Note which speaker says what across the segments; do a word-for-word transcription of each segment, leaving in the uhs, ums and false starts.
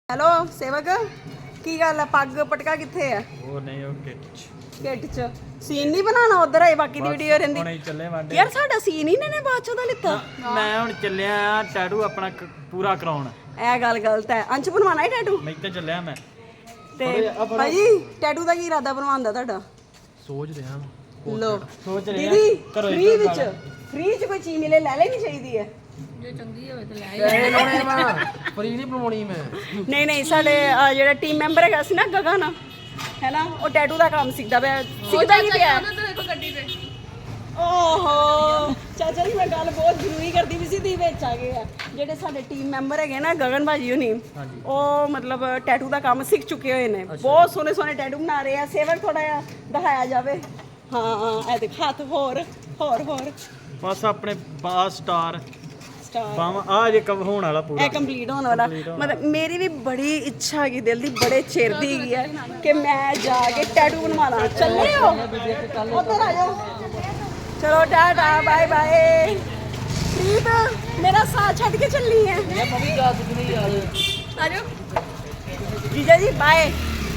Speaker 1: hello ਸੇਵਕ ਕੀ ਗੱਲ ਹੈ ਪੱਗ ਪਟਕਾ ਕਿੱਥੇ ਆ
Speaker 2: ਉਹ ਨਹੀਂ ਉਹ ਕਿੱਟ ਚ
Speaker 1: ਕਿੱਟ ਚ ਸੀਨ ਨਹੀਂ ਬਣਾਉਣਾ ਉਧਰ ਹੈ ਬਾਕੀ ਦੀ ਵੀਡੀਓ ਰਹਿੰਦੀ
Speaker 2: ਹੁਣੇ ਚੱਲੇ ਵਾਂਡੇ
Speaker 1: ਯਾਰ ਸਾਡਾ ਸੀਨ ਹੀ ਨੇ ਬਾਅਦ ਚੋਂ ਦਾ ਲਿੱਤਾ
Speaker 2: ਮੈਂ ਹੁਣ ਚੱਲਿਆ ਆ ਟੈਟੂ ਆਪਣਾ ਕ- ਪੂਰਾ ਕਰਾਉਣ
Speaker 1: ਇਹ ਗੱਲ ਗਲਤ ਹੈ ਅੰਸ਼ ਬਣਵਾਣਾ ਹੈ ਟੈਟੂ
Speaker 2: ਮੈਂ ਤੇ ਚੱਲਿਆ ਮੈਂ
Speaker 1: ਤੇ ਭਾਜੀ ਟੈਟੂ ਦਾ ਕੀ ਇਰਾਦਾ ਬਣਵਾਉਣ ਦਾ ਤੁਹਾਡਾ
Speaker 2: ਸੋਚ ਰਿਹਾ
Speaker 1: ਲੋ
Speaker 2: ਸੋਚ ਰਿਹਾ
Speaker 1: ਦੀਦੀ
Speaker 2: ਘਰੋਂ
Speaker 1: ਫ੍ਰੀ ਵਿੱਚ ਫ੍ਰੀ ਚ ਕੋਈ ਚੀਜ਼ ਮਿਲੇ ਲੈ ਲੈਣੀ ਚਾਹੀਦੀ ਹੈ
Speaker 3: ਪੈਸੇ ਲਾਉਣੇ ਮੈਂ ਫਰੀ ਨਹੀਂ ਬਣਾਉਣੀ ਮੈਂ
Speaker 1: ਨਹੀਂ ਨਹੀਂ ਸਾਡੇ ਅਹ, ਜਿਹੜਾ ਟੀਮ ਮੈਂਬਰ ਹੈਗਾ ਸੀ ਨਾ ਗਗਨ ਹੈ ਨਾ ਉਹ ਟੈਟੂ ਦਾ ਕੰਮ ਸਿੱਖਦਾ ਪਿਆ ਸਿੱਖਦਾ ਹੀ ਪਿਆ ਓਹੋ ਚਾਚਾ ਜੀ ਮੈਂ ਗੱਲ ਬਹੁਤ ਜ਼ਰੂਰੀ ਕਰਦੀ ਵੀ ਸੀ ਦੀ ਵਿੱਚ ਆ ਗਏ ਆ ਜਿਹੜੇ ਸਾਡੇ ਟੀਮ ਮੈਂਬਰ ਹੈਗੇ ਨਾ ਗਗਨ ਭਾਜੀ ਹੁਣੀ ਉਹ ਮਤਲਬ ਟੈਟੂ ਦਾ ਕੰਮ ਸਿੱਖ ਚੁੱਕੇ ਹੋਏ ਨੇ ਬਹੁਤ ਸੋਹਣੇ ਸੋਹਣੇ ਟੈਟੂ ਬਣਾ ਰਹੇ ਆ ਸੇਵਕ ਥੋੜਾ ਜਿਹਾ ਦਿਖਾਇਆ ਜਾਵੇ ਹਾਂ ਇਹ ਦੇਖ ਹੱਥ ਹੋਰ ਹੋਰ ਹੋਰ
Speaker 2: ਬਸ ਆਪਣੇ ਬਾਸ ਸਟਾਰ
Speaker 1: ਸਟਾਰ
Speaker 2: ਬਾਵਾ ਆ ਜੇ ਕਵ ਹੋਣ ਵਾਲਾ ਪੂਰਾ
Speaker 1: ਇਹ ਕੰਪਲੀਟ ਹੋਣ ਵਾਲਾ ਮਤਲਬ ਮੇਰੀ ਵੀ ਬੜੀ ਇੱਛਾ ਹੈਗੀ ਦਿਲ ਦੀ ਬੜੇ ਚਿਰ ਦੀ ਹੈਗੀ ਹੈ ਕਿ ਮੈਂ ਜਾ ਕੇ ਟੈਟੂ ਬਣਵਾਣਾ ਚੱਲੇ ਹੋ ਉੱਧਰ ਆ ਜਾਓ ਚਲੋ ਟਾਟਾ ਬਾਏ ਬਾਏ ਪ੍ਰੀਤ ਮੇਰਾ ਸਾਥ ਛੱਡ ਕੇ ਚੱਲੀ ਹੈ
Speaker 3: ਮੈਂ ਵੀ ਜਾ ਸਕਦੀ ਨਹੀਂ ਯਾਰ
Speaker 1: ਆ ਜਾਓ ਜੀਜਾ ਜੀ ਬਾਏ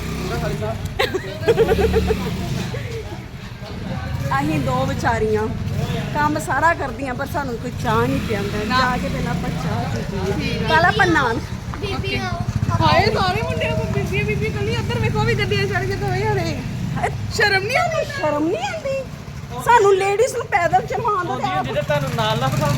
Speaker 1: ਅਸੀਂ ਦੋ ਵਿਚਾਰੀਆਂ ਕੰਮ ਸਾਰਾ ਕਰਦੀਆਂ ਪਰ ਸਾਨੂੰ ਕੋਈ ਚਾਹ ਨਹੀਂ ਪਿਆਉਂਦਾ ਜਾ ਕੇ ਪਹਿਲਾਂ ਆਪਾਂ ਚਾਹ ਪੀਈਏ ਕੱਲ ਆਪਾਂ ਨਾਨ
Speaker 4: ਹਾਏ ਸਾਰੇ ਮੁੰਡਿਆਂ ਕੋ ਬੀਬੀ ਬੀਬੀ ਕੱਲੀ ਉੱਧਰ ਵੇਖੋ ਵੀ ਗੱਡੀਆਂ ਚੜ ਕੇ ਦੋਵੇਂ ਜਾਣੇ
Speaker 1: ਸ਼ਰਮ ਨਹੀਂ ਆਉਂਦੀ ਸ਼ਰਮ ਨਹੀਂ ਆਉਂਦੀ ਸਾਨੂੰ ਲੇਡੀਜ਼ ਨੂੰ ਪੈਦਲ ਚਲਾਉਣ ਦਾ ਤੇ ਆਪ-
Speaker 2: ਜਿਹਦੇ ਤੁਹਾਨੂੰ ਨਾਲ ਨਾ ਬਿਠਾ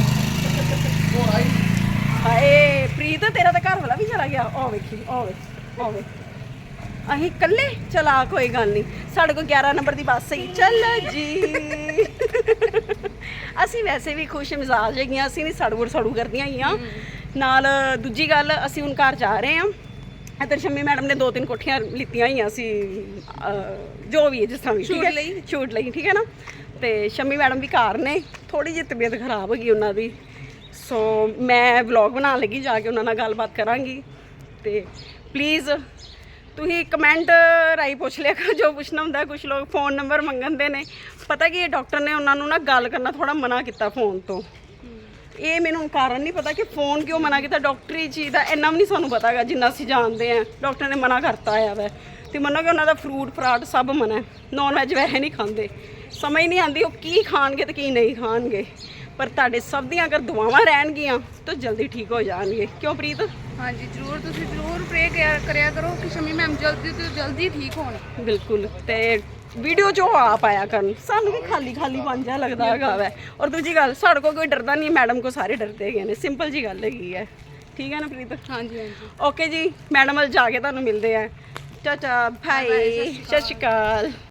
Speaker 1: ਹਾਏ ਪ੍ਰੀਤ ਤੇਰਾ ਤਾਂ ਘਰ ਵਾਲਾ ਵੀ ਚਲਾ ਗਿਆ ਉਹ ਵੇਖੀ ਉਹ ਵੇਖ ਉਹ ਵੇਖ ਅਸੀਂ ਇਕੱਲੇ ਚਲਾ ਕੋਈ ਗੱਲ ਨਹੀਂ ਸਾਡੇ ਕੋਲ ਗਿਆਰਾਂ ਨੰਬਰ ਦੀ ਬੱਸ ਹੀ ਚੱਲ ਜੀ ਅਸੀਂ ਵੈਸੇ ਵੀ ਖੁਸ਼ ਮਿਜ਼ਾਜ ਹੈਗੀਆਂ ਅਸੀਂ ਨਹੀਂ ਸੜਵੜ ਸੜੂ ਕਰਦੀਆਂ ਹੈਗੀਆਂ ਨਾਲ ਦੂਜੀ ਗੱਲ ਅਸੀਂ ਹੁਣ ਘਰ ਜਾ ਰਹੇ ਹਾਂ ਇੱਧਰ ਸ਼ੰਮੀ ਮੈਡਮ ਨੇ ਦੋ ਤਿੰਨ ਕੋਠੀਆਂ ਲਿੱਤੀਆਂ ਹੋਈਆਂ ਸੀ ਅਹ, ਜੋ ਵੀ ਹੈ ਜਿਸ ਤਰ੍ਹਾਂ ਵੀ ਠੀਕ ਹੈ ਛੂਟ ਲਈ ਠੀਕ ਹੈ ਨਾ ਤੇ ਸ਼ੰਮੀ ਮੈਡਮ ਵੀ ਘਰ ਨੇ ਥੋੜੀ ਜਿਹੀ ਤਬੀਅਤ ਖਰਾਬ ਹੋ ਗਈ ਉਹਨਾਂ ਦੀ ਸੋ ਮੈਂ ਵਲੌਗ ਬਣਾਉਣ ਲੱਗੀ ਜਾ ਕੇ ਉਹਨਾਂ ਨਾਲ ਗੱਲਬਾਤ ਕਰਾਂਗੀ ਤੇ ਪਲੀਜ਼ ਤੁਸੀਂ ਕਮੈਂਟ ਰਾਹੀਂ ਪੁੱਛ ਲਿਆ ਕਰੋ ਜੋ ਪੁੱਛਣਾ ਹੁੰਦਾ ਕੁਝ ਲੋਕ ਫੋਨ ਨੰਬਰ ਮੰਗਣਦੇ ਨੇ ਪਤਾ ਕੀ ਇਹ ਡਾਕਟਰ ਨੇ ਉਹਨਾਂ ਨੂੰ ਨਾ ਗੱਲ ਕਰਨਾ ਥੋੜਾ ਮਨਾ ਕੀਤਾ ਫੋਨ ਤੋਂ ਇਹ ਮੈਨੂੰ ਕਾਰਨ ਨਹੀਂ ਪਤਾ ਕਿ ਫੋਨ ਕਿਉਂ ਮਨਾ ਕੀਤਾ ਡਾਕਟਰੀ ਚੀਜ਼ ਦਾ ਇੰਨਾ ਵੀ ਨਹੀਂ ਸਾਨੂੰ ਪਤਾ ਹੈਗਾ ਜਿੰਨਾ ਅਸੀਂ ਜਾਣਦੇ ਆ ਡਾਕਟਰ ਨੇ ਮਨਾ ਕਰਤਾ ਆ ਵੈ ਤੇ ਮੰਨੋ ਕਿ ਉਹਨਾਂ ਦਾ ਫਰੂਟ ਫਰਾਟ ਸਭ ਮਨਾ ਹੈ ਨੌਨ ਵੈਜ ਵੈਸੇ ਨਹੀਂ ਖਾਂਦੇ ਸਮਝ ਨਹੀਂ ਆਉਂਦੀ ਉਹ ਕੀ ਖਾਣਗੇ ਤੇ ਕੀ ਨਹੀਂ ਖਾਣਗੇ ਪਰ ਤੁਹਾਡੇ ਸਭ ਦੀਆਂ ਅਗਰ ਦੁਆਵਾਂ ਰਹਿਣਗੀਆਂ ਤਾਂ ਜਲਦੀ ਠੀਕ ਹੋ ਜਾਣਗੇ ਕਿਉਂ ਪ੍ਰੀਤ
Speaker 4: ਹਾਂਜੀ ਜ਼ਰੂਰ ਤੁਸੀਂ ਜ਼ਰੂਰ ਪ੍ਰੇ ਕਰਿਆ ਕਰੋ ਕਿ ਸ਼ਮੀ ਮੈਮ ਜਲਦੀ ਤੋਂ ਜਲਦੀ ਠੀਕ ਹੋਣ
Speaker 1: ਬਿਲਕੁਲ ਤੇ ਵੀਡੀਓ ਜੋ ਆਪ ਆਇਆ ਕਰਨ ਸਾਨੂੰ ਵੀ ਖਾਲੀ ਖਾਲੀ ਬਣ ਜਾ ਲੱਗਦਾ ਹੈਗਾ ਵੈ ਔਰ ਦੂਜੀ ਗੱਲ ਸਾਡੇ ਕੋਲ ਕੋਈ ਡਰਦਾ ਨਹੀਂ ਮੈਡਮ ਕੋ ਸਾਰੇ ਡਰਦੇ ਹੈਗੇ ਨੇ ਸਿੰਪਲ ਜੀ ਗੱਲ ਹੈਗੀ ਹੈ ਠੀਕ ਹੈ ਨਾ ਪ੍ਰੀਤ
Speaker 4: ਹਾਂਜੀ ਹਾਂਜੀ
Speaker 1: ਓਕੇ ਜੀ ਮੈਡਮ ਵੱਲ ਜਾ ਕੇ ਤੁਹਾਨੂੰ ਮਿਲਦੇ ਆ ਚਾਚਾ ਭਾਈ ਸਤਿ ਸ਼੍ਰੀ ਅਕਾਲ